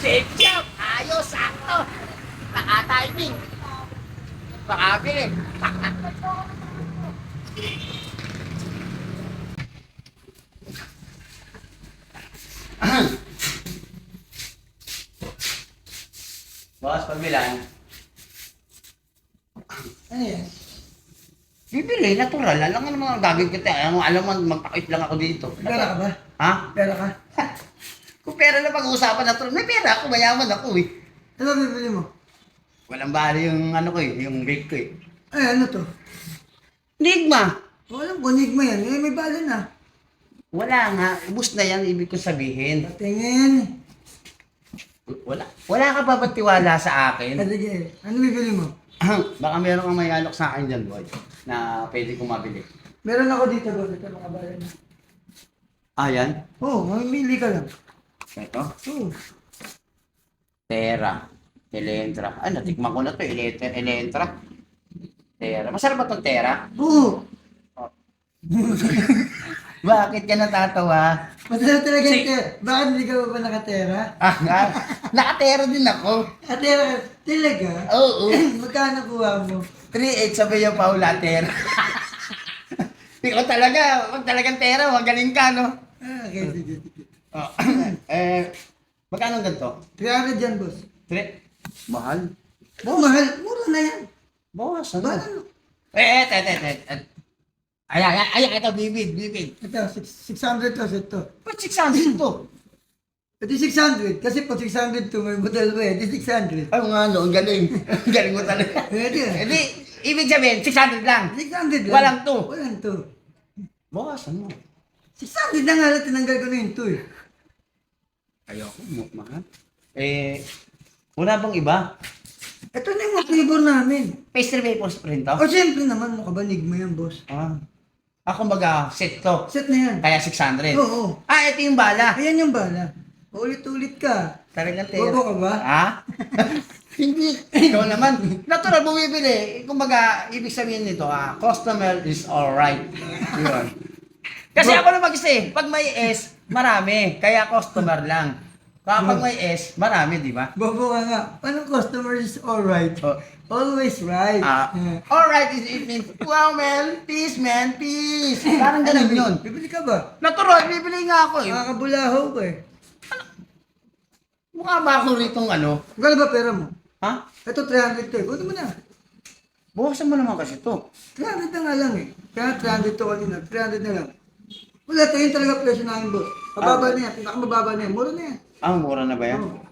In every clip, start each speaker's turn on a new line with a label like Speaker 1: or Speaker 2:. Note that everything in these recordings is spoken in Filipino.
Speaker 1: Chip chop! Ayos! Sakto! Naka-timing! Makabili! Boss, pagbilan.
Speaker 2: Ano yan?
Speaker 1: Bibili, natural. Alam nga naman ang gagawin kita. Alam mo, magpakit lang ako dito.
Speaker 2: Pera ka ba?
Speaker 1: Ha?
Speaker 2: Pera ka?
Speaker 1: Kung pera na pag-uusapan natural, may pera ako, mayaman ako eh.
Speaker 2: Ano bibili mo?
Speaker 1: Walang bali yung ano ko eh, yung bake ko eh.
Speaker 2: Ay, ano to?
Speaker 1: Enigma!
Speaker 2: Walang kunig mo yan. Eh, may bala na.
Speaker 1: Wala nga, ubus na yan, ibig ko sabihin.
Speaker 2: Patingin.
Speaker 1: Wala. Wala ka ba ba't tiwala sa akin?
Speaker 2: Sige, ano bibili mo?
Speaker 1: Baka meron kang may alok sa akin dyan, boy, na pwede kong mabili.
Speaker 2: Meron ako dito, boss. Ito mga bala na.
Speaker 1: Ah, yan?
Speaker 2: Oo, mamimili ka lang.
Speaker 1: Ito?
Speaker 2: Oo.
Speaker 1: Terra. Elentra. Ay, natikman ko na to, Elentra. Terra. Masarap ba itong Terra?
Speaker 2: Oo.
Speaker 1: Bakit ka natatawa?
Speaker 2: Masarap talaga yung tera. Bakit hindi ka ba nakatera?
Speaker 1: Ah, nga. Nakatera din ako.
Speaker 2: Atera ka. Talaga?
Speaker 1: Oo.
Speaker 2: Magkano kuha mo?
Speaker 1: 3-8 sabi yung Paula, Terra. Ikaw talaga, wag talagang Terra, magaling ka, no?
Speaker 2: Ah, okay, sige, sige.
Speaker 1: Oh. Magkano ang ganito?
Speaker 2: 300 yan, boss.
Speaker 1: 3? Mahal.
Speaker 2: Oh, mahal. Mura na yan.
Speaker 1: Bawas, ano?
Speaker 2: Mahal.
Speaker 1: Ito, bibig.
Speaker 2: Ito, 600 to, ito.
Speaker 1: Ba't 600 to?
Speaker 2: Ito 600. Kasi pag 600 to, may model mo eh. Ito 600.
Speaker 1: Ay, nga, no, ang galing. Ang galing mo talaga.
Speaker 2: Pwede.
Speaker 1: Hindi, ibig sabihin, 600 lang.
Speaker 2: 600 lang.
Speaker 1: Walang to.
Speaker 2: Walang to.
Speaker 1: Bawas, ano?
Speaker 2: 600 na nga lang, tinanggal ko na yung to eh.
Speaker 1: Ayoko, mahal. Wala bang iba?
Speaker 2: Ito na yung mga flavor namin.
Speaker 1: Pastry maple print to?
Speaker 2: O syempre naman, makabanig mo yan, boss.
Speaker 1: Kumbaga, set to.
Speaker 2: Set na yan.
Speaker 1: Kaya 600.
Speaker 2: Oo.
Speaker 1: Ito yung bala.
Speaker 2: Ayan yung bala. Ulit-ulit ka.
Speaker 1: Talagang Terra.
Speaker 2: Bobo ka ba?
Speaker 1: Ha? Hindi. Ikaw naman. Natural, bumibili. Kumbaga, ibig sabihin nito, customer is alright. Yun. Kasi ako na mag-isa eh. Pag may S, marami. Kaya customer lang. Kapag may S, marami, di ba?
Speaker 2: Bobo ka nga. Anong customer is alright?
Speaker 1: Oh.
Speaker 2: Always right.
Speaker 1: Alright, it means, wow man, peace man, peace. Parang ganun yun.
Speaker 2: Bibili ka ba?
Speaker 1: Natural, bibili nga ako eh.
Speaker 2: Makakabulahaw ka eh.
Speaker 1: Mukha ba ako ritong ano?
Speaker 2: Magkano ba pera mo?
Speaker 1: Ha?
Speaker 2: Ito 300 to eh. Buto mo na.
Speaker 1: Bukasan mo naman kasi to.
Speaker 2: 300 na nga lang eh. Kaya 300 to kanina. 300 na lang. Wala, ito yun talaga presyo namin, boss. Mababa na yan. Pinakamababa na yan. Mura na yan.
Speaker 1: Mura na ba yan?
Speaker 2: Oo.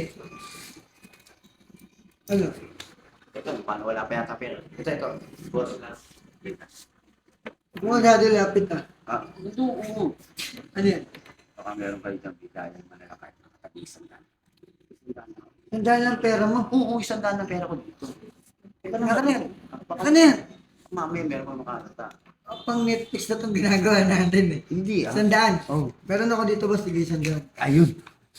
Speaker 2: Ano?
Speaker 1: Ito, paano wala pa yata pera? Ito. Boss na.
Speaker 2: Kung agad lapit na.
Speaker 1: Ito, oo.
Speaker 2: Ano yan?
Speaker 1: Baka meron kayo dyan bigayan manlalakay. Nakatabi 100.
Speaker 2: Tandaan lang pera mo.
Speaker 1: Oo, 100 na pera ko dito. Teka lang,
Speaker 2: Ano yan?
Speaker 1: baka
Speaker 2: Ano yan?
Speaker 1: mamaya meron pa makakata.
Speaker 2: Pang Netflix na itong ginagawa natin eh.
Speaker 1: Hindi
Speaker 2: 100.
Speaker 1: Oh.
Speaker 2: Meron ako dito, boss. Sige, 100.
Speaker 1: Ayun.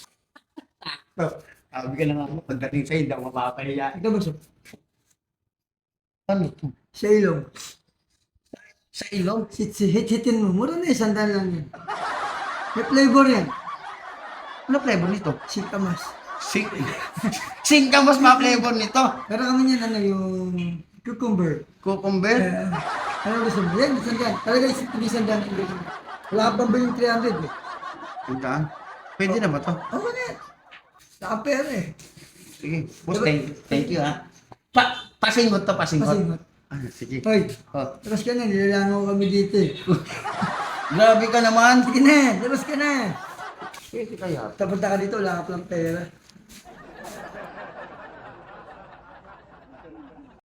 Speaker 1: Sabi ka lang ako, pagdating sa'yo, hindi ako mapapahiya.
Speaker 2: Ito, boss.
Speaker 1: Ano to?
Speaker 2: Sa ilong.
Speaker 1: Sa ilong?
Speaker 2: Hit-hitin mo. Mura na 100 lang yan. May flavor yan.
Speaker 1: Ano flavor nito?
Speaker 2: Sikamas.
Speaker 1: Singkamas ma flavor nito.
Speaker 2: Pero kami yan, ano, yung cucumber.
Speaker 1: Cucumber?
Speaker 2: Ano gusto mo? Yan, 100. Talaga hindi 100. Wala ka bang yung 300 eh.
Speaker 1: Sandaan? Pwede na ba to?
Speaker 2: Oo na yan. Nakapera eh.
Speaker 1: Sige. Boss, thank you ha. Pasingot to, pasingot.
Speaker 2: Pasingot.
Speaker 1: Sige.
Speaker 2: Hoy,
Speaker 1: Oh.
Speaker 2: labas ka na. Nilalangaw kami dito eh.
Speaker 1: Grabe ka naman.
Speaker 2: Sige na, labas ka na.
Speaker 1: Pwede kaya.
Speaker 2: Tapos na ka dito, wala ka palang pera.